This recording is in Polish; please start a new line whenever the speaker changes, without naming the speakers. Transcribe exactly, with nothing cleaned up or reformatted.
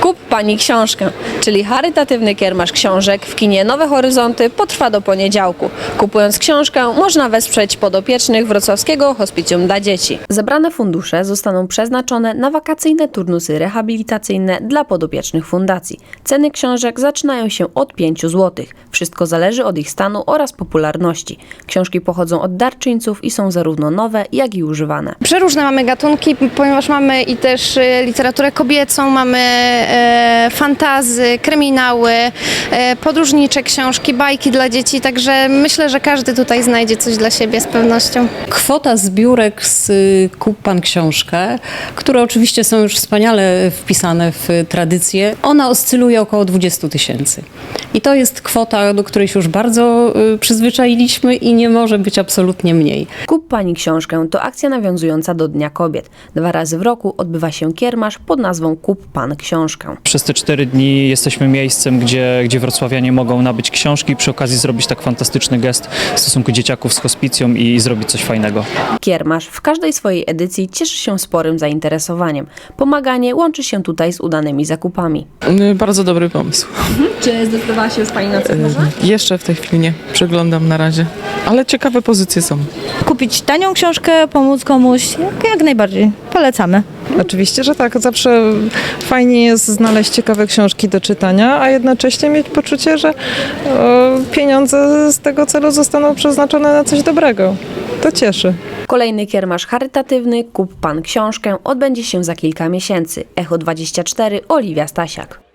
Kup Pani książkę, czyli charytatywny kiermasz książek w kinie Nowe Horyzonty potrwa do poniedziałku. Kupując książkę można wesprzeć podopiecznych Wrocławskiego Hospicjum dla Dzieci. Zebrane fundusze zostaną przeznaczone na wakacyjne turnusy rehabilitacyjne dla podopiecznych fundacji. Ceny książek zaczynają się od pięciu złotych. Wszystko zależy od ich stanu oraz popularności. Książki pochodzą od darczyńców i są zarówno nowe, jak i używane.
Przeróżne mamy gatunki, ponieważ mamy i też e, literaturę kobiecą, mamy e, fantazy, kryminały, e, podróżnicze książki, bajki dla dzieci, także myślę, że każdy tutaj znajdzie coś dla siebie z pewnością.
Kwota zbiórek z y, Kup Pan książkę, które oczywiście są już wspaniale wpisane w tradycję, ona oscyluje około dwudziestu tysięcy. I to jest kwota, do której się już bardzo y, przyzwyczailiśmy i nie może być absolutnie mniej.
Kup Pani książkę to akcja nawiązująca do Dnia Kobiet. Dwa razy w roku odbywa się kiermasz pod nazwą Kup Pan książkę.
Przez te cztery dni jesteśmy miejscem, gdzie, gdzie wrocławianie mogą nabyć książki i przy okazji zrobić tak fantastyczny gest w stosunku dzieciaków z hospicjum i zrobić coś fajnego.
Kiermasz w każdej swojej edycji cieszy się sporym zainteresowaniem. Pomaganie łączy się tutaj z udanymi zakupami.
Bardzo dobry pomysł.
Czy zdecydowała się już Pani na coś może?
Jeszcze w tej chwili nie, przeglądam na razie, ale ciekawe pozycje są.
Kupić tanią książkę, pomóc komuś, jak, jak najbardziej. Polecamy.
Oczywiście, że tak. Zawsze fajnie jest znaleźć ciekawe książki do czytania, a jednocześnie mieć poczucie, że o, pieniądze z tego celu zostaną przeznaczone na coś dobrego. To cieszy.
Kolejny kiermasz charytatywny Kup Pan książkę odbędzie się za kilka miesięcy. Echo dwadzieścia cztery, Oliwia Stasiak.